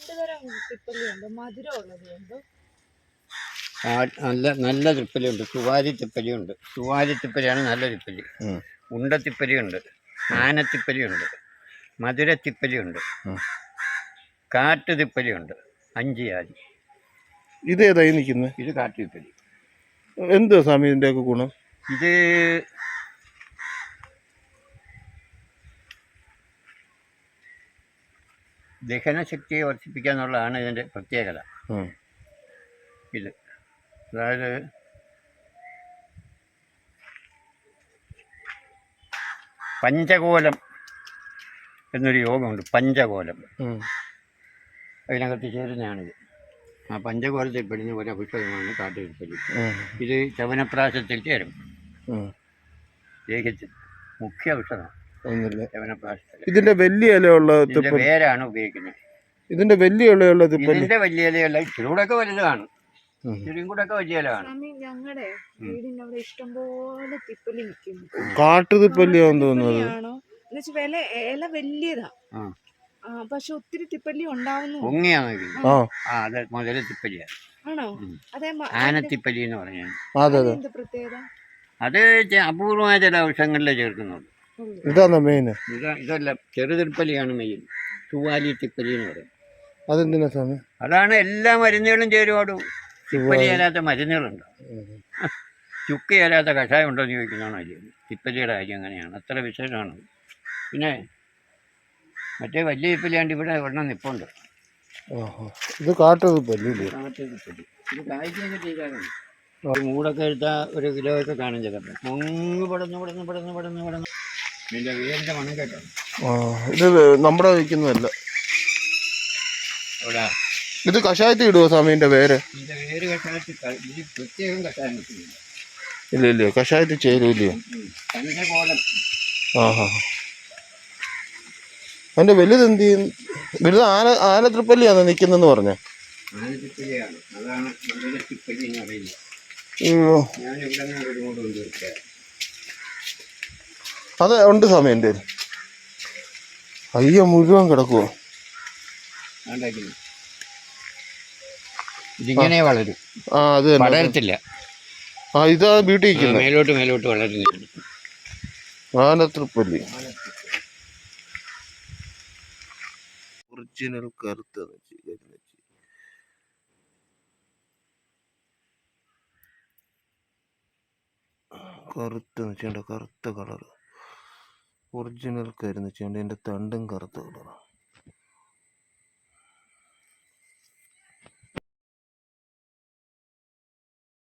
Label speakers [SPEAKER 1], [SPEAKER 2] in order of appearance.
[SPEAKER 1] നല്ല നല്ല തിപ്പലിയുണ്ട്. സുവാരി തിപ്പലിയുണ്ട്. സുവാരി തിപ്പലിയാണ് നല്ല തിപ്പലി. ഉണ്ടത്തിപ്പലിയുണ്ട്, ആനത്തിപ്പലിയുണ്ട്, മധുരത്തിപ്പലിയുണ്ട്, കാട്ടുതിപ്പലിയുണ്ട്. 5 ജാതി.
[SPEAKER 2] ഇതേതായി നിൽക്കുന്നത്?
[SPEAKER 1] ഇത് കാട്ടുതിപ്പലി.
[SPEAKER 2] എന്തുവാ സ്വാമി ഇതിൻ്റെയൊക്കെ ഗുണം?
[SPEAKER 1] ഇത് ദഹനശക്തിയെ വർദ്ധിപ്പിക്കുക എന്നുള്ളതാണ് ഇതിൻ്റെ പ്രത്യേകത. ഇത് അതായത് പഞ്ചകോലം എന്നൊരു യോഗമുണ്ട്. പഞ്ചകോലം അതിനകത്ത് ചേരുന്നതാണിത്. ആ പഞ്ചകോലത്തിൽ പെടുന്ന ഒരു ഔഷധമാണ് കാട്ടുതിപ്പലി. ഇത് ചവനപ്രാശത്തിൽ ചേരും. ദേഹത്തിൽ മുഖ്യ ഔഷധമാണ് ചവനപ്രാശത്തിൽ.
[SPEAKER 2] ഇതിന്റെ വലിയ ഇലയുള്ള
[SPEAKER 1] വേരാണ് ഉപയോഗിക്കുന്നത്.
[SPEAKER 2] ഇതിന്റെ വലിയ ഇലയുള്ള
[SPEAKER 1] ഇതിന്റെ വലിയ ഇലയുള്ള ഇച്ചിരൂടൊക്കെ വലുതാണ്. ഇച്ചിരിയും കൂടെ ഒക്കെ വലിയ ഇലയാണ്.
[SPEAKER 3] ഞങ്ങളുടെ വീടിന്റെ അവിടെ ഇഷ്ടംപോലെ തിപ്പലി നിൽക്കുന്നു.
[SPEAKER 2] കാട്ടുതിപ്പല്ലിയാന്ന് തോന്നുന്നത്.
[SPEAKER 3] ഇല വലിയതാ, പക്ഷെ ഒത്തിരി തിപ്പല്ലി ഉണ്ടാവുന്നു.
[SPEAKER 1] മുതലത്തിപ്പലിയാണ്.
[SPEAKER 3] ആണോ? അതെ.
[SPEAKER 1] ആനത്തിപ്പലി എന്ന് പറഞ്ഞാൽ
[SPEAKER 3] എന്ത് പ്രത്യേകത?
[SPEAKER 1] അത് അപൂർവമായ ചില ഔഷധങ്ങളിൽ ചേർക്കുന്നുണ്ട്.
[SPEAKER 2] ഇതാണ് മെയിൻ.
[SPEAKER 1] ഇതല്ല, ചെറുതിപ്പലിയാണ് മെയിൻ. ചുവാലി തിപ്പലി എന്ന് പറയും.
[SPEAKER 2] അതെന്തിനാ സ്വാമി?
[SPEAKER 1] അതാണ് എല്ലാ മരുന്നുകളും ചേരുവാടും. തിപ്പലി ചേരാത്ത മരുന്നുകളുണ്ടോ? ചുക്ക് ചേരാത്ത കഷായം ഉണ്ടോ എന്ന് ചോദിക്കുന്നതാണ് കാര്യം. തിപ്പലിയുടെ കാര്യം അങ്ങനെയാണ്, അത്ര വിശേഷമാണ്. പിന്നെ മറ്റേ വലിയ തിപ്പലിയാണ്ട് ഇവിടെ ഒരെണ്ണം നിപ്പുണ്ട്.
[SPEAKER 2] ഇത് കാട്ടുതിപ്പല്ലി.
[SPEAKER 1] കാട്ടുതിപ്പലി ഇത് കായ്ക്കൊക്കെ ചെയ്താലും മൂടൊക്കെ എടുത്താൽ 1 കിലോ ഒക്കെ കാണും ചിലപ്പോൾ. മുങ്ങ് പടന്ന് ഇതിൻ്റെ വേരിൻ്റെ മണം കേട്ടോ.
[SPEAKER 2] ഇത് നമ്മുടെ വയ്ക്കുന്നതല്ല.
[SPEAKER 1] ഇവിടെ
[SPEAKER 2] ഇത് കഷായത്തിൽ ഇടുവോ സ്വാമീൻ്റെ വേര്?
[SPEAKER 1] ഇതിൻ്റെ വേര് കഷായത്തിൽ ഇത് പ്രത്യേകം കഷായം വെക്കുന്നില്ല.
[SPEAKER 2] ഇല്ല കഷായത്തിൽ ചേരൂല്ലയോ?
[SPEAKER 1] പഞ്ചകോലം.
[SPEAKER 2] അതിന്റെ വലുത് എന്ത് ചെയ്യും? വലുത് ആനത്തിപ്പല്ലിയാണോ നിൽക്കുന്നെന്ന് പറഞ്ഞ?
[SPEAKER 1] ആനത്തിപ്പലിയാണ്. അതാണ് മധുരത്തിപ്പലി എന്ന് പറയുന്നത്.
[SPEAKER 2] അത് ഉണ്ട് സമയം എൻ്റെ അയ്യോ മുഴുവൻ കിടക്കുവോ?
[SPEAKER 1] ഇതിങ്ങനെ വളരും.
[SPEAKER 2] അത്
[SPEAKER 1] വളരത്തില്ല.
[SPEAKER 2] ഇതാ വീട്ടിൽ ഇരിക്കുന്നത്.
[SPEAKER 1] മേലോട്ട് വളരുന്നില്ല.
[SPEAKER 2] ആനത്തിപ്പല്ലി ഒറിജിനൽ കറുത്ത കറുത്ത കളർ. ഒറിജിനൽ കരിനച്ചി. എൻ്റെ തണ്ടും കറുത്ത കളറാണ്.